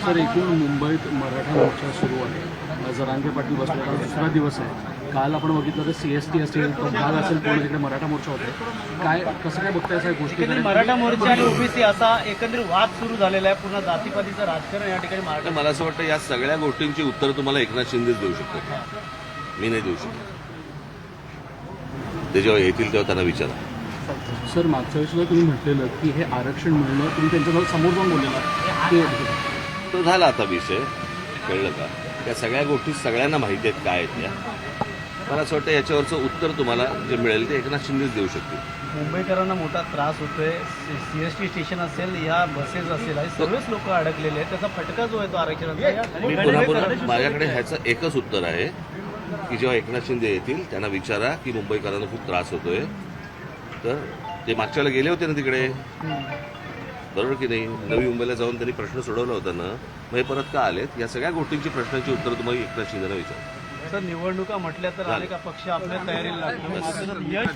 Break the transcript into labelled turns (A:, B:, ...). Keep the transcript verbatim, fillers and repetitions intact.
A: Sir, एकूण मुंबईत मराठा मोर्चा सुरू आहे. जरांगे पाटील बसलेला दुसरा दिवस आहे. काल आपण बघितलं तर सी एस टी असेल, तो भाग असेल, पूर्ण तिकडे मराठा मोर्चा होते. काय कसं काय बघताय सगळ्या गोष्टी?
B: मराठा मोर्चा आणि ओबीसी असा एकंदरीत वाद सुरू झालेला आहे. पूर्ण जातीपातीचं राजकारण या ठिकाणी मराठा.
C: मला असं वाटतं या सगळ्या गोष्टींची उत्तर तुम्हाला एकनाथ शिंदेच देऊ शकतात, मी नाही देऊ शकत. ते जेव्हा येतील तेव्हा त्यांना विचारा.
A: सर, मागच्या वेळेस सुद्धा तुम्ही म्हटलेलं की हे आरक्षण मिळणं, तुम्ही त्यांच्याजवळ समोर जाऊन बोललेला ते
C: तो झाला आता विषय, कळलं का? त्या सगळ्या गोष्टी सगळ्यांना माहिती आहेत काय आहेत त्या. मला असं वाटतं याच्यावरचं उत्तर तुम्हाला जे मिळेल ते एकनाथ शिंदेच देऊ शकतील.
B: मुंबईकरांना मोठा त्रास होतोय. सीएसटी स्टेशन असेल, या बसेस असेल, हे सगळेच लोक अडकलेले आहेत. त्याचा फटका जो आहे तो आरक्षणाचा.
C: मी पुन्हा पुन्हा माझ्याकडे ह्याचं एकच उत्तर आहे की जेव्हा एकनाथ शिंदे येतील त्यांना विचारा की मुंबईकरांना खूप त्रास होतोय. तर ते मागच्या वेळेला गेले होते ना तिकडे, बरोबर की नाही? नवी मुंबईला जाऊन त्यांनी प्रश्न सोडवला होता ना, मग हे परत का आलेत? या सगळ्या गोष्टींची प्रश्नांची उत्तर तुम्हाला एकनाथ शिंदेला विचारा.
B: सर, निवडणुका म्हटल्या तर अनेक पक्ष आपल्या तयारीला लागले.